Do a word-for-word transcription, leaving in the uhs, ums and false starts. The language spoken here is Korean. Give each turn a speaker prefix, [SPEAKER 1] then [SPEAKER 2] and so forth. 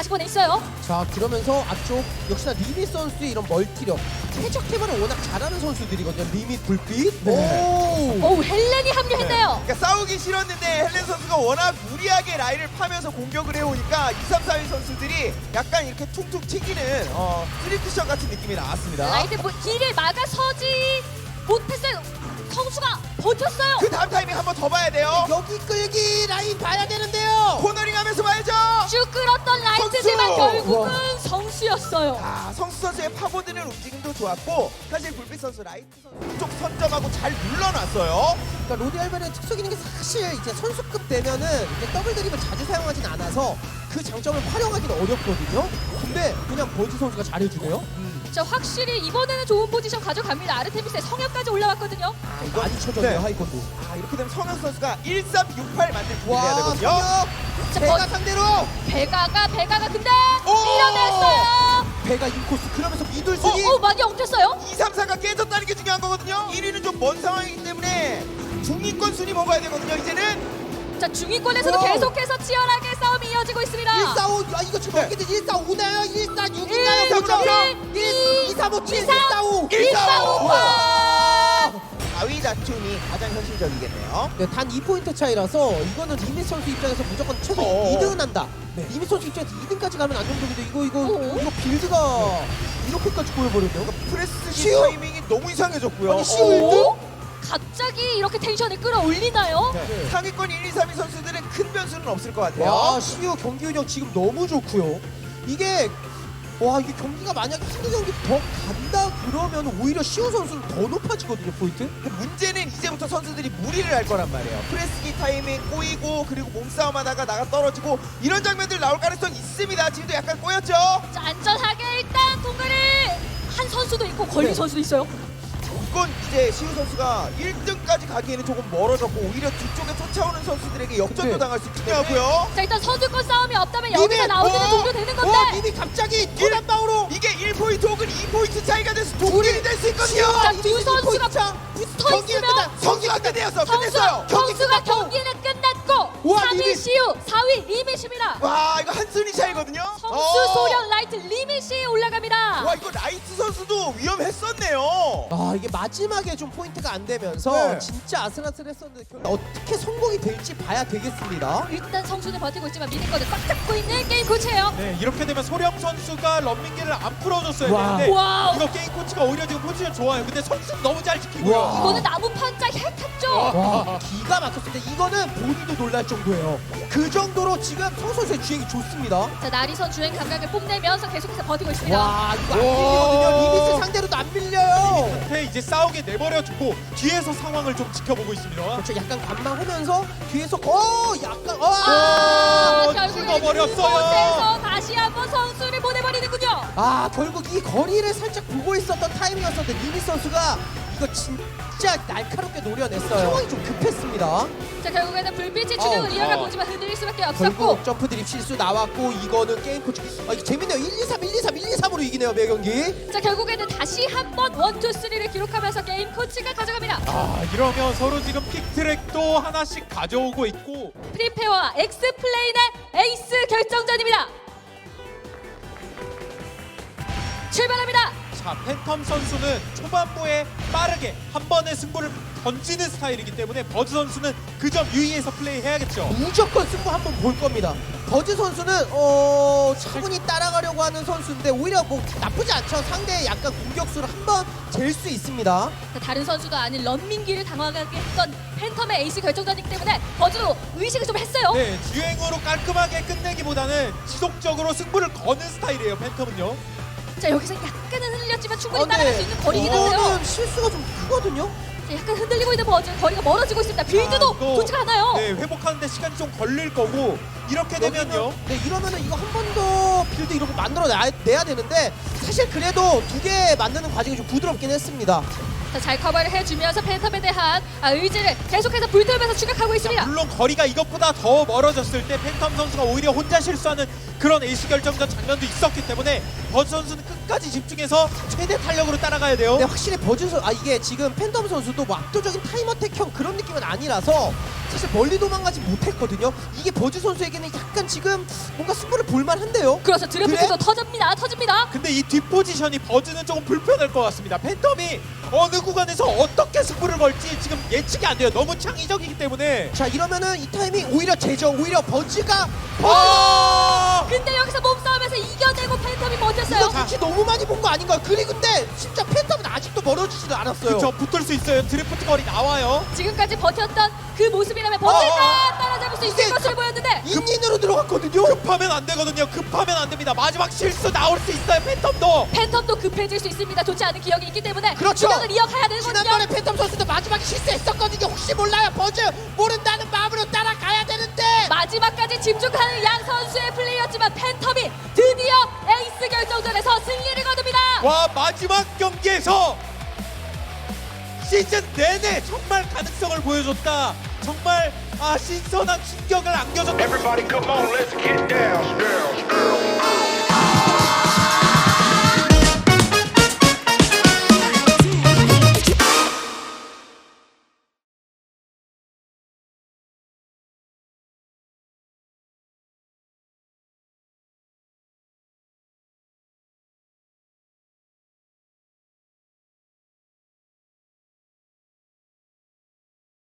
[SPEAKER 1] 사십 번에 있어요.
[SPEAKER 2] 자, 그러면서 앞쪽 역시나 리밋 선수의 이런 멀티력, 최적 태반을 워낙 잘하는 선수들이거든요. 리밋, 불빛.
[SPEAKER 3] 네.
[SPEAKER 2] 오.
[SPEAKER 1] 오, 헬렌이 합류했네요.
[SPEAKER 3] 그러니까 싸우기 싫었는데 헬렌 선수가 워낙 무리하게 라인을 파면서 공격을 해오니까 이, 삼, 사 위 선수들이 약간 이렇게 퉁퉁 튀기는 어, 쓰리쿠션 같은 느낌이 나왔습니다.
[SPEAKER 1] 라이트 뭐 길을 막아서지 못했어요. 성수가 버텼어요.
[SPEAKER 3] 그 다음 타이밍 한 번 더 봐야 돼요.
[SPEAKER 2] 여기 끌기 라인 봐야 되는데요.
[SPEAKER 3] 코너링 하면서 봐야죠.
[SPEAKER 1] 쭉 끌었던 라이트지만
[SPEAKER 3] 성수!
[SPEAKER 1] 결국은
[SPEAKER 2] 와.
[SPEAKER 1] 성수였어요.
[SPEAKER 3] 아, 성수 선수의 파고드는 움직임도 좋았고 사실 불빛 선수, 라이트 선수 쪽 선점하고 잘 물러났어요.
[SPEAKER 2] 그러니까 로디 알바의 특성 있는 게 사실 이제 선수급 되면은 이제 더블 드립을 자주 사용하진 않아서 그 장점을 활용하기는 어렵거든요. 근데 그냥 버즈 선수가 잘해주네요.
[SPEAKER 1] 자, 확실히 이번에는 좋은 포지션 가져갑니다. 아르테미스의 성역까지 올라왔거든요.
[SPEAKER 2] 아, 이거 많이 쳐졌네요.
[SPEAKER 3] 네.
[SPEAKER 2] 하이콘도.
[SPEAKER 3] 아, 이렇게 되면 성현 선수가 일삼육팔 만들 준비를 해야
[SPEAKER 2] 와,
[SPEAKER 3] 되거든요.
[SPEAKER 2] 성혁.
[SPEAKER 1] 자,
[SPEAKER 2] 배가
[SPEAKER 1] 버-
[SPEAKER 2] 상대로.
[SPEAKER 1] 배가가 배가가 근데
[SPEAKER 3] 오!
[SPEAKER 1] 밀어냈어요.
[SPEAKER 2] 배가 인코스. 그러면서 미들스기.
[SPEAKER 1] 오, 오 많이 엉켰어요.
[SPEAKER 3] 이, 삼, 사가 깨졌다는 게 중요한 거거든요. 일 위는 좀 먼 상황이기 때문에 중위권 순위 먹어야 되거든요. 이제는
[SPEAKER 1] 자, 중위권에서도
[SPEAKER 2] 오!
[SPEAKER 1] 계속해서 치열하게 싸움이 이어지고 있습니다.
[SPEAKER 2] 일사오. 아, 이거 지금
[SPEAKER 3] 네.
[SPEAKER 2] 어떻게든 일사오나요? 일사육이나요?
[SPEAKER 1] 일,
[SPEAKER 2] 일,
[SPEAKER 1] 일,
[SPEAKER 2] 이삼오칠,
[SPEAKER 1] 이삼,
[SPEAKER 2] 일사오.
[SPEAKER 1] 일사오.
[SPEAKER 3] 사 위 다툼이 가장 현실적이겠네요.
[SPEAKER 2] 네, 단 이 포인트 차이라서 이거는 리밋 선수 입장에서 무조건 최소
[SPEAKER 3] 어어.
[SPEAKER 2] 이 등은 한다.
[SPEAKER 3] 네.
[SPEAKER 2] 리밋 선수 입장에서 이 등까지 가면 안정적인데 이거 이거
[SPEAKER 1] 어어.
[SPEAKER 2] 이거 빌드가 이렇게까지 보여버렸네요.
[SPEAKER 3] 프레스기
[SPEAKER 2] 시우!
[SPEAKER 3] 타이밍이 너무 이상해졌고요.
[SPEAKER 2] 아니, 시우 일 등?
[SPEAKER 1] 오? 갑자기 이렇게 텐션을 끌어올리나요?
[SPEAKER 3] 네. 상위권 일, 이, 삼 위 선수들은 큰 변수는 없을 것 같아요.
[SPEAKER 2] 와, 시우 경기 운영 지금 너무 좋고요. 이게 와, 이게 경기가 만약에 한두 경기 더 간다 그러면 오히려 시우 선수는 더 높아지거든요, 포인트.
[SPEAKER 3] 근데 문제는 이제부터 선수들이 무리를 할 거란 말이에요. 프레스기 타이밍 꼬이고 그리고 몸싸움하다가 나가 떨어지고 이런 장면들 나올 가능성이 있습니다. 지금도 약간 꼬였죠?
[SPEAKER 1] 자, 안전하게 일단 통과를 한 선수도 있고 걸린
[SPEAKER 2] 네.
[SPEAKER 1] 선수도 있어요.
[SPEAKER 3] 이건 이제 시우 선수가 일 등까지 가기에는 조금 멀어졌고 오히려 뒤쪽에 쫓아오는 선수들에게 역전도
[SPEAKER 2] 근데-
[SPEAKER 3] 당할 수 있긴 하고요.
[SPEAKER 1] 자, 일단 선수권 싸움이 없다면 여기서
[SPEAKER 2] 리밋!
[SPEAKER 1] 나오는
[SPEAKER 3] 어?
[SPEAKER 1] 종료되는
[SPEAKER 2] 와,
[SPEAKER 1] 건데.
[SPEAKER 2] 님이 갑자기 도단방으로
[SPEAKER 3] 이게 일 포인트 혹은 이 포인트 차이가 돼서 동률이 될 수 있거든요.
[SPEAKER 1] 자, 두 선수가 붙어
[SPEAKER 2] 경기가
[SPEAKER 1] 있으면
[SPEAKER 2] 끝나.
[SPEAKER 3] 성기가 끝내었어.
[SPEAKER 1] 선수,
[SPEAKER 3] 끝냈어요.
[SPEAKER 2] 경기
[SPEAKER 1] 선수가
[SPEAKER 2] 끝났고.
[SPEAKER 1] 경기는 끝났고
[SPEAKER 2] 와,
[SPEAKER 1] 삼 위
[SPEAKER 2] 리밋.
[SPEAKER 1] 시우, 사 위 리밋입니다.
[SPEAKER 3] 와, 이거 한순위 차이거든요.
[SPEAKER 1] 성수,
[SPEAKER 3] 어.
[SPEAKER 1] 소련, 라이트, 리밋이 올라갑니다.
[SPEAKER 3] 와, 이거 라이트 선수도 위험했었네요.
[SPEAKER 2] 아, 이게 마지막에 좀 포인트가 안 되면서
[SPEAKER 3] 네.
[SPEAKER 2] 진짜 아슬아슬했었는데 결- 어떻게 성공이 될지 봐야 되겠습니다.
[SPEAKER 1] 일단 성수는 버티고 있지만 미니거는 꽉 잡고 있는 게임 코치예요.
[SPEAKER 4] 네, 이렇게 되면 소령 선수가 런민기를 안 풀어줬어야
[SPEAKER 2] 와.
[SPEAKER 4] 되는데
[SPEAKER 1] 와우.
[SPEAKER 4] 이거 게임 코치가 오히려 지금 포지션 좋아요. 근데 선수 너무 잘 지키고요.
[SPEAKER 2] 와.
[SPEAKER 1] 이거는 나무 판자 핵 탔죠.
[SPEAKER 2] 와, 기가 막혔습니다. 이거는 본인도 놀랄 정도예요. 그 정도로 지금 성 선수의 주행이 좋습니다.
[SPEAKER 1] 자, 나리선 주행 감각을 뽐내면서 계속해서 버티고 있습니다.
[SPEAKER 2] 와, 이거 안
[SPEAKER 4] 와.
[SPEAKER 2] 밀리거든요. 리미스 상대로도 안 밀려요.
[SPEAKER 4] 끝에 이제 싸우게 내버려두고 뒤에서 상황을 좀 지켜보고 있습니다.
[SPEAKER 2] 그렇죠. 약간 관망하면서 뒤에서 어, 약간 어.
[SPEAKER 1] 아,
[SPEAKER 4] 어,
[SPEAKER 1] 결국에
[SPEAKER 4] 찍어버렸어요.
[SPEAKER 1] 이곳에서 다시 한번 선수를 보내버리는군요.
[SPEAKER 2] 아, 결국 이 거리를 살짝 보고 있었던 타이밍이었었는데 리미스 선수가 이거 진짜 날카롭게 노려냈어요. 상황이 좀 급했습니다.
[SPEAKER 1] 자, 결국에는 불빛이 주력을
[SPEAKER 2] 아우,
[SPEAKER 1] 이어가
[SPEAKER 4] 아.
[SPEAKER 1] 보지만 흔들릴 수밖에 없었고.
[SPEAKER 2] 결국 점프 드립 실수 나왔고 이거는 게임 코치. 아, 이거 재밌네요. 일, 이, 삼, 일, 이, 삼, 일, 이, 삼으로 이기네요, 매 경기.
[SPEAKER 1] 자, 결국에는 다시 한번 원, 투, 쓰리를 기록하면서 게임 코치가 가져갑니다.
[SPEAKER 4] 아, 이러면 서로 지금 픽트랙도 하나씩 가져오고 있고
[SPEAKER 1] 프리페어와 엑스플레인의 에이스 결정전입니다. 출발합니다.
[SPEAKER 4] 자, 팬텀 선수는 초반부에 빠르게 한 번의 승부를 던지는 스타일이기 때문에 버즈 선수는 그 점 유의해서 플레이해야겠죠.
[SPEAKER 2] 무조건 승부 한번 볼 겁니다. 버즈 선수는 어 차분히 따라가려고 하는 선수인데 오히려 뭐 나쁘지 않죠. 상대의 약간 공격수를 한번 잴 수 있습니다.
[SPEAKER 1] 자, 다른 선수도 아닌 런민기를 당황하게 했던 팬텀의 에이스 결정전이기 때문에 버즈도 의식을 좀 했어요.
[SPEAKER 4] 네, 주행으로 깔끔하게 끝내기보다는 지속적으로 승부를 거는 스타일이에요, 팬텀은요.
[SPEAKER 1] 자, 여기서 약간은 흔들렸지만 충분히
[SPEAKER 2] 어, 네.
[SPEAKER 1] 따라갈 수 있는 거리긴 한데요.
[SPEAKER 2] 이거는 실수가 좀 크거든요.
[SPEAKER 1] 자, 약간 흔들리고 있는 버즈, 거리가 멀어지고 있습니다. 빌드도
[SPEAKER 4] 아, 이거-
[SPEAKER 1] 좋지가 않아요.
[SPEAKER 4] 네, 회복하는데 시간이 좀 걸릴 거고 이렇게 되면요.
[SPEAKER 2] 여기는- 네, 이러면은 이거 한 번 더 빌드 이렇게 만들어 내야 되는데 사실 그래도 두 개 만드는 과정이 좀 부드럽긴 했습니다.
[SPEAKER 1] 자, 잘 커버를 해주면서 팬텀에 대한 아, 의지를 계속해서 불태우면서 추격하고 있습니다.
[SPEAKER 4] 물론 거리가 이것보다 더 멀어졌을 때 팬텀 선수가 오히려 혼자 실수하는 그런 에이스 결정전 장면도 있었기 때문에 버즈 선수는 끝까지 집중해서 최대 탄력으로 따라가야 돼요.
[SPEAKER 2] 근데 확실히 버즈 선, 아 이게 지금 팬텀 선수도 뭐 압도적인 타임어택형 그런 느낌은 아니라서 사실 멀리 도망가지 못했거든요. 이게 버즈 선수에게는 약간 지금 뭔가 승부를 볼만한데요.
[SPEAKER 1] 그래서 드래프트도
[SPEAKER 2] 그래?
[SPEAKER 1] 터집니다. 터집니다.
[SPEAKER 4] 근데 이 뒷포지션이 버즈는 조금 불편할 것 같습니다. 팬텀이 어느 구간에서 어떻게 승부를 걸지 지금 예측이 안 돼요. 너무 창의적이기 때문에.
[SPEAKER 2] 자 이러면은 이 타이밍 오히려 제죠. 오히려 버즈가
[SPEAKER 4] 아!
[SPEAKER 1] 근데 여기서 몸싸움에서 이겨내고 팬텀이 버텼어요.
[SPEAKER 2] 이거 같이 너무 많이 본 거 아닌가요? 그리고 근데 진짜 팬텀은 아직도 멀어지지도 않았어요.
[SPEAKER 4] 그쵸, 붙을 수 있어요. 드리프트 거리 나와요.
[SPEAKER 1] 지금까지 버텼던 그 모습이라면 버틸까
[SPEAKER 2] 어, 어.
[SPEAKER 1] 따라잡을 수
[SPEAKER 2] 이게
[SPEAKER 1] 있을 것으로 보였는데
[SPEAKER 2] 인인으로 들어갔거든요.
[SPEAKER 4] 급하면 안 되거든요. 급하면 안 됩니다. 마지막 실수 나올 수 있어요. 팬텀도.
[SPEAKER 1] 팬텀도 급해질 수 있습니다. 좋지 않은 기억이 있기 때문에
[SPEAKER 2] 그렇죠.
[SPEAKER 1] 기억을 이어가야 되거든요.
[SPEAKER 2] 지난번에 팬텀 선수도 마지막에 실수했었거든요. 혹시 몰라요. 버즈 모른다는 마음으로 따라가야 되는데.
[SPEAKER 1] 마지막까지 집중하는 양 선수의 플레이였지만 팬텀이 드디어 에이스 결정전에서 승리를 거둡니다.
[SPEAKER 4] 와, 마지막 경기에서 시즌 내내 정말 가능성을 보여줬다. 정말 아 신선한 충격을 안겨줬다.
[SPEAKER 5] Everybody come on, let's get down, down, down.